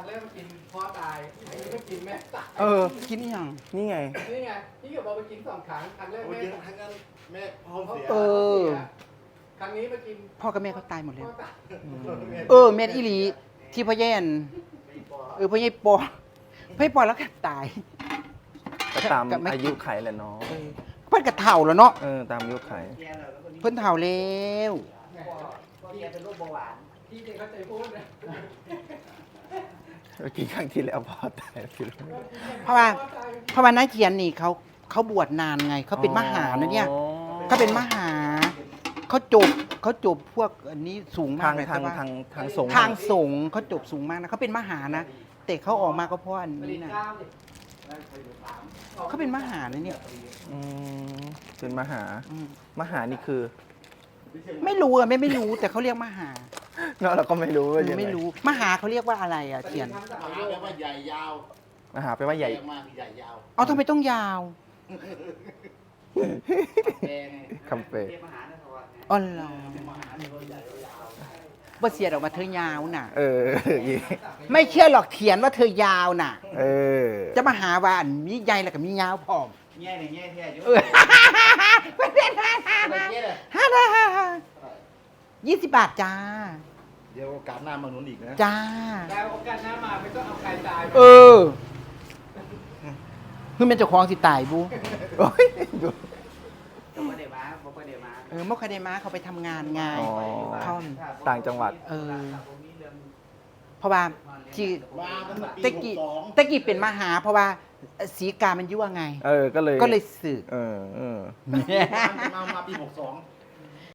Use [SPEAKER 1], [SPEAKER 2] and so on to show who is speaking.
[SPEAKER 1] แรกมากินพ่อตายอันนี้ก็กินแม่ตาย
[SPEAKER 2] กินยัง
[SPEAKER 3] นี่ไง
[SPEAKER 1] นี่ไงที่อยู่บอกไปกิน2 ครั้งครั้งแรก
[SPEAKER 4] โอ้ย
[SPEAKER 1] แม่
[SPEAKER 4] เยอะทั้งนั้นแม่พ่อเสีย
[SPEAKER 1] ครั้งนี้มากิน
[SPEAKER 2] พ่อกับแม่เขาตายหมดแล้ว
[SPEAKER 1] พ่อตาย
[SPEAKER 2] แม่นอีหลีที่พ่อแย่นพ่อใหญ่ปอพ่อใหญ่ปอแล้วก็ตาย
[SPEAKER 3] ก็ตาม
[SPEAKER 2] กับไม่
[SPEAKER 3] อายุไขแหละเนาะ
[SPEAKER 2] เพิ่นก็เฒ่าแล้วเนาะ
[SPEAKER 3] ตามอายุไข
[SPEAKER 2] เพิ่นเฒ่าแล้ว
[SPEAKER 1] พี่เป็นโรคเบาหวานพี่เองเข้าใจพูดนะ
[SPEAKER 3] เมื่อกี้ครั้งที่แล้วพ่อตายพี่รู้
[SPEAKER 2] เพราะว่านาเจียนนี่เขาบวชนานไงเขาเป็นมหานะเนี่ยเขาเป็นมหาเขาจบพวกอันนี้สูงมา
[SPEAKER 3] ทาก ง
[SPEAKER 2] เลย
[SPEAKER 3] ทาง
[SPEAKER 2] แต่ว่า
[SPEAKER 3] ทางสงฆ์
[SPEAKER 2] ทางสงฆ์เขาจบสูงมากนะเขาเป็นมหานะแต่เขาออกมาก็เพราะอัน
[SPEAKER 1] ผลิ
[SPEAKER 2] นี้
[SPEAKER 1] ต
[SPEAKER 2] นะ
[SPEAKER 1] ข้าวดิ
[SPEAKER 2] เขาเป็นมหานะเนี่ย
[SPEAKER 3] อืมเป็นมหา
[SPEAKER 2] อืม
[SPEAKER 3] มหานี่คือ
[SPEAKER 2] ไม่รู้ไม่รู้แต่เขาเรียกมหา
[SPEAKER 3] เนาะเราก็ไม่รู้ว่ายังไง
[SPEAKER 2] ไม่รู้มหาเขาเรียกว่าอะไรอ่ะเทียน
[SPEAKER 4] มหาแปลว่าใหญ่ยาว
[SPEAKER 3] มหาแปลว่าใหญ่
[SPEAKER 4] มากใหญ่ยาว
[SPEAKER 2] เอาทำไมต้องยาว
[SPEAKER 3] คำเปร
[SPEAKER 2] อ๋อเหรอบ่เสียดออกมาเธอยาวน่ะ ไม่เชื่อหรอกเถียนว่าเธอยาวน่ะ จะมาหาว่าอันมีใหญ่แล้วก็มียาวพร้อม
[SPEAKER 4] แง่เนี่ยแง่แท้อยู่
[SPEAKER 2] ไม่เป็นไร
[SPEAKER 4] อะไรเงี้ยเลย
[SPEAKER 2] 20 บาทจ้า
[SPEAKER 4] เดี๋ยวโอกาสหน้ามาหนุนอีกนะ
[SPEAKER 2] จ้า
[SPEAKER 1] แล้วโอกาสหน้ามาไม่ต้องเอาใครตาย
[SPEAKER 2] เพื่อเป็นเจ้าของสิตายบู
[SPEAKER 3] โอ้ยดู
[SPEAKER 1] ไม่ได้มาไม่ได้มา
[SPEAKER 2] เมื่อคาเดมาเขาไปทำงานไง
[SPEAKER 3] อ๋อ
[SPEAKER 2] เขา
[SPEAKER 3] ต่างจังหวัด
[SPEAKER 2] เพราะว่าที่
[SPEAKER 4] มาตั้งแต่ปี
[SPEAKER 2] ตะกี้
[SPEAKER 4] 62
[SPEAKER 2] ตะกี้เป็นมหา เพราะว่าสีกามันยั่วไง
[SPEAKER 3] ก็เลย
[SPEAKER 2] ก็เลยสึก
[SPEAKER 3] เออ
[SPEAKER 4] มาปี 62